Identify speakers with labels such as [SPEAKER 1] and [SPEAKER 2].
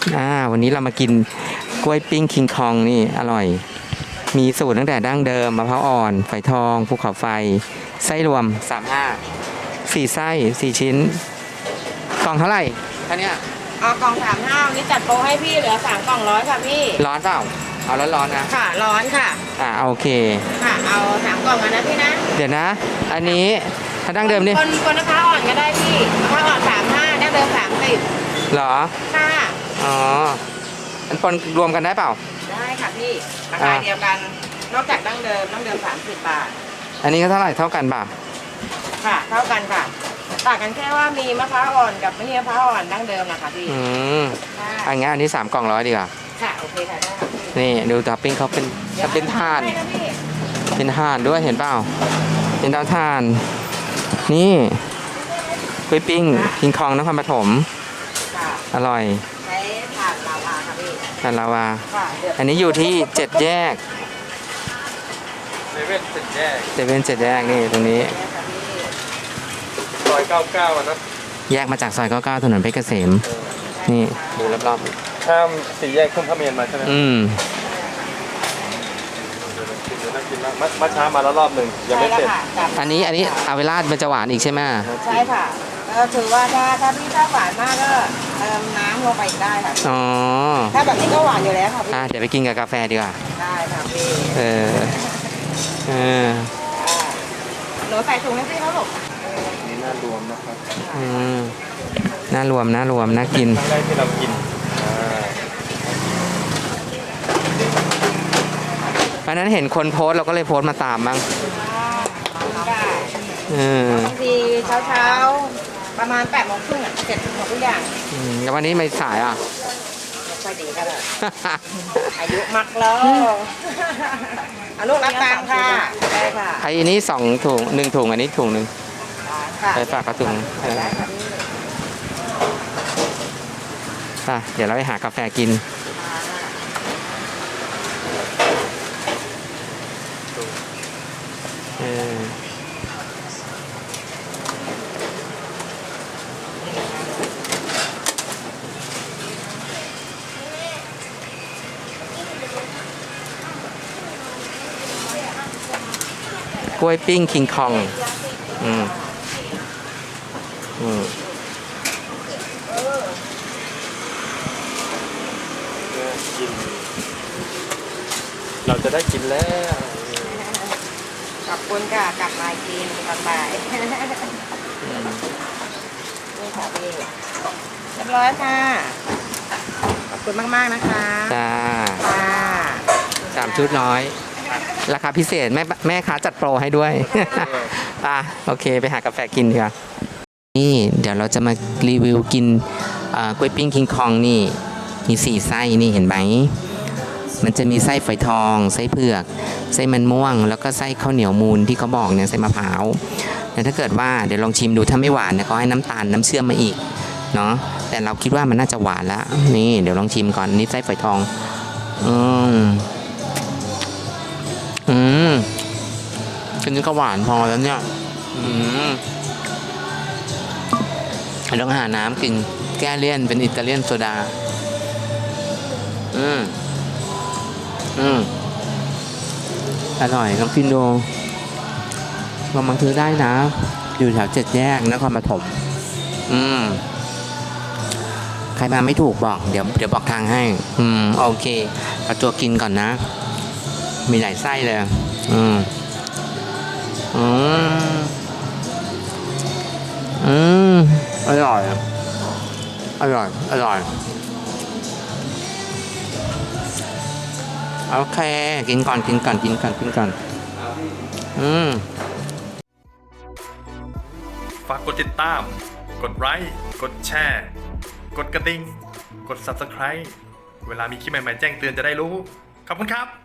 [SPEAKER 1] วันนี้เรามากินกล้วยปิ้งคิงคองนี่อร่อยมีสูตรตั้งแต่ดั้งเดิมมะพร้าวอ่อนฝอยทองภูเขาไฟไส้รวม4 ไส้4 ชิ้นกล่องเท่าไหร่ท่านี้
[SPEAKER 2] กล่อง35วันนี้จัดโปรให้พี่เหลือ3 กล่อง100ค่ะพี่
[SPEAKER 1] ร้อนเปล่าเอาร้อนๆนะ
[SPEAKER 2] ค่ะร้อนค่ะ
[SPEAKER 1] โอเค
[SPEAKER 2] ค่ะเอา3 กล่องนะพี่นะ
[SPEAKER 1] เดี๋ยวนะอันนี้ถ้าดั้งเดิมนี่
[SPEAKER 2] คนมะพร้าวอ่อนก็ได้พี่มะพร้าวอ่อน35ดั้งเดิม30
[SPEAKER 1] เหรอ
[SPEAKER 2] ค่ะ
[SPEAKER 1] อันปนรวมกันได้เปล่า
[SPEAKER 2] ได้ค่ะพี่ราคาเดียวกันนอกจากดั้งเดิม30 บาท
[SPEAKER 1] อันนี้ก็เท่าไหร่เท่ากันป่ะ
[SPEAKER 2] ค่ะเท่ากันค่ะต่างกันแค่ว่ามีมะพร้าวอ่อนกับไม่มีมะพร้าวอ่อนดั้งเดิมนะคะพี่
[SPEAKER 1] งั้นอันนี้3 กล่อง100ดีกว่า
[SPEAKER 2] ค่ะโอเคค่ะได้ค่ะ
[SPEAKER 1] นี่ดูท็อปปิ้งเขาเป็นถ่านเป็นถ่านด้วยเห็นเปล่าเป็นเตาถ่านนี่กล้วยปิ้งคิงคองนครปฐมอร่อย
[SPEAKER 2] ใช้ถ่านลาวาค่ะพี่
[SPEAKER 1] ถ่านลาวาอันนี้อยู่ที่7 แยก
[SPEAKER 3] เซเว่น7 แยก
[SPEAKER 1] 7 แยกนี่ตรงนี้
[SPEAKER 3] ซอย99นะ
[SPEAKER 1] แยกมาจากซอย99ถนนเพชรเกษมนี่ดูรอบ
[SPEAKER 3] ๆข้าม4 แยกขึ้นพระเมรุมาใช่ไหมน่ากินมากมาช้ามาแล้วรอบหนึ่งยังไม่เสร็จ
[SPEAKER 1] อันนี้เอาเวลามันจะหวานอีกใช่ไหม
[SPEAKER 2] ใช่ค่ะก็ถือว่าถ้าพี่ชอบหวานมากก็เติมน้ำลงไปได้ค่ะถ้าแบบนี้ก็หวานอยู่แล้วค่ะพี่
[SPEAKER 1] เดี๋ยวไปกินกับกาแฟดีกว่า
[SPEAKER 2] ได้ค่ะพี่หนูใส่ถุงให้พี่เขาหรอก
[SPEAKER 3] นี่น่ารวมนะครับ
[SPEAKER 1] น่ารวมน่ากิน
[SPEAKER 3] ครั้งแรกที่เรากิน
[SPEAKER 1] วันนั้นเห็นคนโพสเราก็เลยโพสมาตามบ้าง
[SPEAKER 2] บางทีเช้าประมาณ8 โมงครึ่งเสร็จหมดทุกอย่าง
[SPEAKER 1] แล้ววันนี้ไม่สาย
[SPEAKER 2] ไม่ค่อยดีก็เลยอายุมักแล้วลูกรับตังค่ะได้ค่ะ
[SPEAKER 1] ไอ้นี้2 ถุง1 ถุงอันนี้ถุง 1ไปฝากกระถุงเดี๋ยวเราไปหากาแฟกินกล้วยปิ้งคิงคอง
[SPEAKER 3] เราจะได้กินแล้ว
[SPEAKER 2] ขอบคุณค่ะกลับมากินกลับไปนี่ค่ะพี่เรียบร้อยค่ะขอบคุณมากๆนะคะ
[SPEAKER 1] จ้า3 ชุด100ราคาพิเศษแม่ค้าจัดโปรให้ด้วยโอเคไปหากาแฟกินดีกว่านี่เดี๋ยวเราจะมารีวิวกินกล้วยปิ้งคิงคองนี่มี4 ไส้นี่เห็นไหมมันจะมีไส้ฝอยทองไส้เผือกไส้มันม่วงแล้วก็ไส้ข้าวเหนียวมูนที่เขาบอกเนี่ยไส้มะพร้าวแต่ถ้าเกิดว่าเดี๋ยวลองชิมดูถ้าไม่หวานเนี่ยเขาให้น้ำตาลน้ำเชื่อมมาอีกเนาะแต่เราคิดว่ามันน่าจะหวานแล้วนี่เดี๋ยวลองชิมก่อนนี่ไส้ฝอยทองอันนี้ก็หวานพอแล้วเนี่ยต้องหาน้ำกินแก้เลี่ยนเป็นอิตาเลียนโซดาอร่อยลองกินดูลองมาซื้อได้นะอยู่แถว7 แยกนครปฐมใครมาไม่ถูกบอกเดี๋ยวบอกทางให้โอเคเอาตัวกินก่อนนะมีหลายไส้เลยอร่อยโอเคกินก่อน
[SPEAKER 3] ฝากกดติดตามกดไลค์กดแชร์กดกระดิ่งกด Subscribe เวลามีคลิปใหม่ๆแจ้งเตือนจะได้รู้ขอบคุณครับ